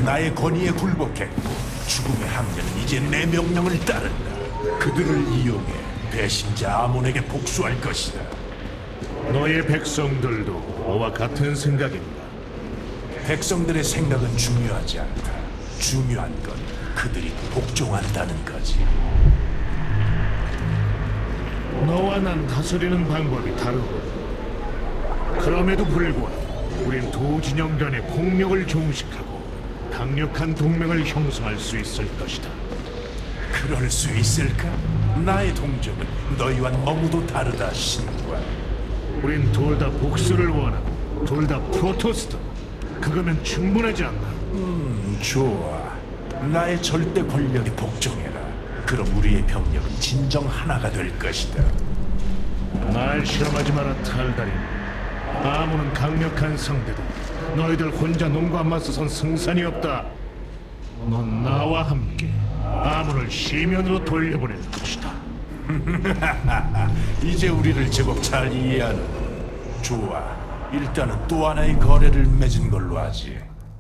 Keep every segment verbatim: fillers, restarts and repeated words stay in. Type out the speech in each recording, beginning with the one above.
나의 권위에 굴복했고 죽음의 함대는 이제 내 명령을 따른다. 그들을 이용해 배신자 아몬에게 복수할 것이다. 너의 백성들도 너와 같은 생각인가? 백성들의 생각은 중요하지 않다. 중요한 건 그들이 복종한다는 거지. 너와 난 다스리는 방법이 다르고, 그럼에도 불구하고 우린 두 진영 간의 폭력을 종식하고 강력한 동맹을 형성할 수 있을 것이다. 그럴 수 있을까? 나의 동족은 너희와 너무도 다르다, 신관. 우린 둘 다 복수를 원하고 둘 다 프로토스다. 그거면 충분하지 않나? 음, 좋아. 나의 절대 권력에 복종해라. 그럼 우리의 병력은 진정 하나가 될 것이다. 날 실험하지 마라, 탈다린. 아무는 강력한 상대다. 너희들 혼자 놈과 맞서선 승산이 없다. 넌 나와 함께 아문을 시면으로 돌려보낼 것이다. 이제 우리를 제법 잘 이해하는. 좋아. 일단은 또 하나의 거래를 맺은 걸로 하지.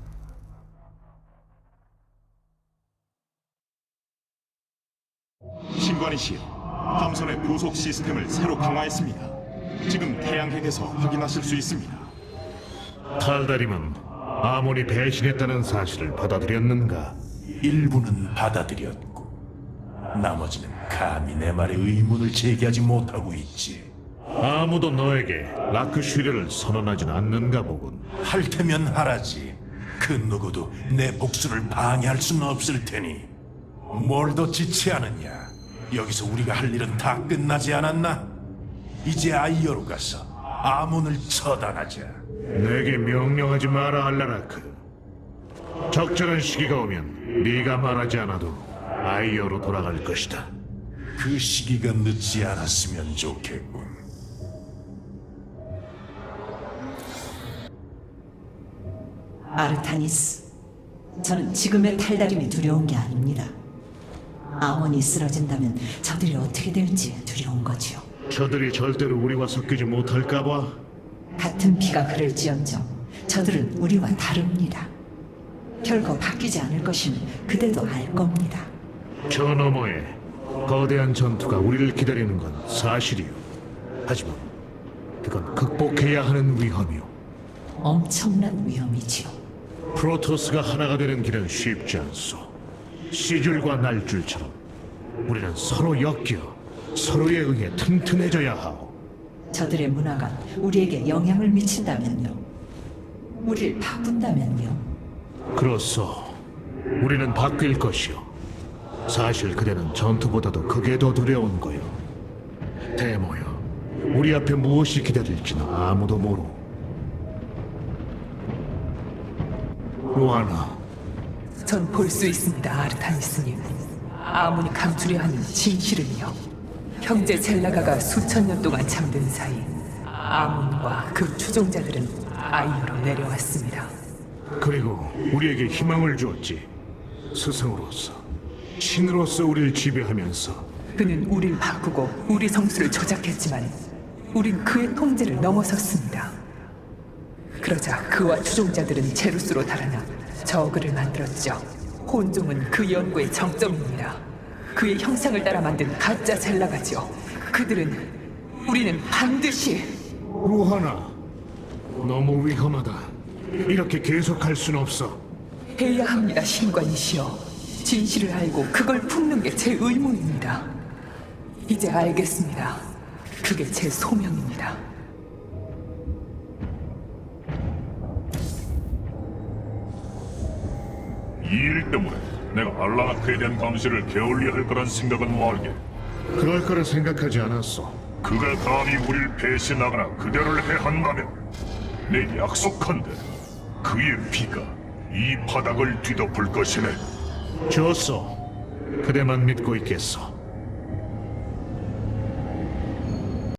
신관이시여, 함선의 부속 시스템을 새로 강화했습니다. 지금 태양핵에서 확인하실 수 있습니다. 탈다림은 아몬이 배신했다는 사실을 받아들였는가? 일부는 받아들였고 나머지는 감히 내 말에 의문을 제기하지 못하고 있지. 아무도 너에게 라크 슈리를 선언하진 않는가 보군. 할 테면 하라지. 그 누구도 내 복수를 방해할 수는 없을 테니. 뭘 더 지체하느냐? 여기서 우리가 할 일은 다 끝나지 않았나? 이제 아이어로 가서 아몬을 처단하자. 내게 명령하지 마라, 알라라크. 적절한 시기가 오면 네가 말하지 않아도 아이어로 돌아갈 것이다. 그 시기가 늦지 않았으면 좋겠군. 아르타니스, 저는 지금의 탈다림이 두려운 게 아닙니다. 아몬이 쓰러진다면 저들이 어떻게 될지 두려운 거지요. 저들이 절대로 우리와 섞이지 못할까 봐. 같은 피가 흐를지언정 저들은 우리와 다릅니다. 결코 바뀌지 않을 것임을 그대도 알 겁니다. 저 너머에 거대한 전투가 우리를 기다리는 건 사실이요. 하지만 그건 극복해야 하는 위험이요. 엄청난 위험이지요. 프로토스가 하나가 되는 길은 쉽지 않소. 시줄과 날줄처럼 우리는 서로 엮여 서로에 의해 튼튼해져야 하오. 저들의 문화가 우리에게 영향을 미친다면요. 우리를 바꾼다면요. 그렇소. 우리는 바뀔 것이오. 사실 그대는 전투보다도 그게 더 두려운 거요. 대모여, 우리 앞에 무엇이 기다릴지는 아무도 모르. 로하나, 전 볼 수 있습니다, 아르타니스님. 아무니 감추려 하는 진실은요. 형제 젤라가가 수천 년 동안 잠든 사이 아몬과 그 추종자들은 아이어로 내려왔습니다. 그리고 우리에게 희망을 주었지. 스승으로서, 신으로서 우리를 지배하면서. 그는 우릴 바꾸고 우리 성수를 조작했지만 우린 그의 통제를 넘어섰습니다. 그러자 그와 추종자들은 제루스로 달아나 저그를 만들었죠. 혼종은 그 연구의 정점입니다. 그의 형상을 따라 만든 가짜 젤라가죠. 그들은, 우리는 반드시. 로하나, 너무 위험하다. 이렇게 계속할 순 없어. 해야 합니다, 신관이시여. 진실을 알고 그걸 품는 게 제 의무입니다. 이제 알겠습니다. 그게 제 소명입니다. 이 일 때문에 내가 알라나크에 대한 감시를 게을리 할 거란 생각은 말게. 그럴 거라 생각하지 않았어. 그가 감히 우릴 배신하거나 그대를 해한다면 내 약속한대 그의 피가 이 바닥을 뒤덮을 것이네. 좋소. 그대만 믿고 있겠어.